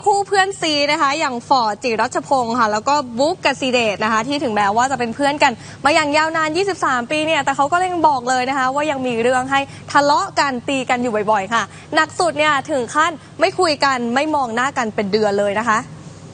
คู่เพื่อนซีนะคะอย่างฟอร์ดจิรัชพงศ์ค่ะแล้วก็บุ๊กกสิเดชนะคะที่ถึงแม้ว่าจะเป็นเพื่อนกันมาอย่างยาวนาน23 ปีเนี่ยแต่เขาก็ยังบอกเลยนะคะว่ายังมีเรื่องให้ทะเลาะกันตีกันอยู่บ่อยๆค่ะหนักสุดเนี่ยถึงขั้นไม่คุยกันไม่มองหน้ากันเป็นเดือนเลยนะคะ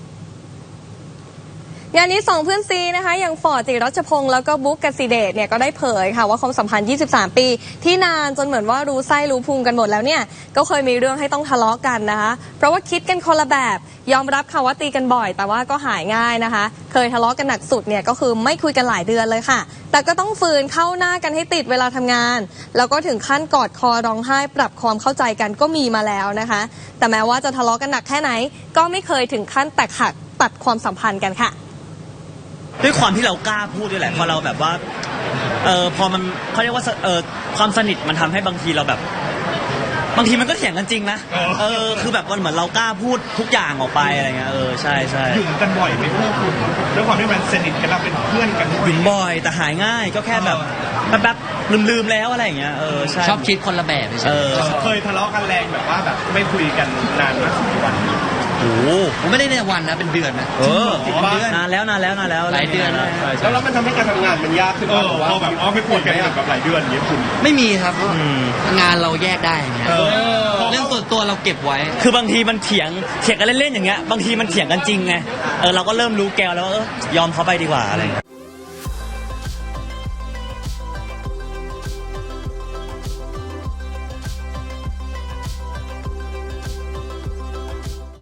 งานนี้2เพื่อนซีนะคะอย่างฟอร์ดจิรัชพงศ์แล้วก็บุ๊กกสิเดชเนี่ยก็ได้เผยค่ะว่าความสัมพันธ์23 ปีที่นานจนเหมือนว่ารู้ไส้รู้พุงกันหมดแล้วเนี่ยก็เคยมีเรื่องให้ต้องทะเลาะกันนะคะเพราะว่าคิดกันคนละแบบยอมรับค่ะว่าตีกันบ่อยแต่ว่าก็หายง่ายนะคะเคยทะเลาะกันหนักสุดเนี่ยก็คือไม่คุยกันหลายเดือนเลยค่ะแต่ก็ต้องฝืนเข้าหน้ากันให้ติดเวลาทำงานแล้วก็ถึงขั้นกอดคอร้องไห้ปรับความเข้าใจกันก็มีมาแล้วนะคะแต่แม้ว่าจะทะเลาะกันหนักแค่ไหนก็ไม่เคยถึงขั้นแตกหักตัดความสัมพันธ์กันค่ะด้วยความที่เรากล้าพูดด้วยแหละพอเราแบบว่าพอมันเขาเรียกว่าความสนิทมันทำให้บางทีเราแบบบางทีมันก็เถียงกันจริงนะคือแบบมันเหมือนเรากล้าพูดทุกอย่างออกไปอะไรเงี้ยใช่ใช่หยุ่มกันบ่อยไหมพวกคุณด้วยความที่มันสนิทกันเราเป็นเพื่อนกันหยุ่มบ่อยแต่หายง่ายก็แค่แบบลืมแล้วอะไรอย่างเงี้ยใช่ชอบคิดคนละแบบใช่เคยทะเลาะกันแรงแบบว่าแบบไม่คุยกันนานมากกี่วันโอ้ผมไม่ได้ในวันนะเป็นเดือนนะนานแล้วหลายเดือนแล้วมันทำให้การทำงานมันยากขึ้นพอแบบไม่คุยกันแบบหลายเดือนอย่างเงี้ยคุณไม่มีครับงานเราแยกได้อย่างเงี้ยเรื่องส่วนตัวเราเก็บไว้คือบางทีมันเถียงกันเล่นๆอย่างเงี้ยบางทีมันเถียงกันจริงไงเราก็เริ่มรู้แกวแล้วว่ายอมเขาไปดีกว่าอะไร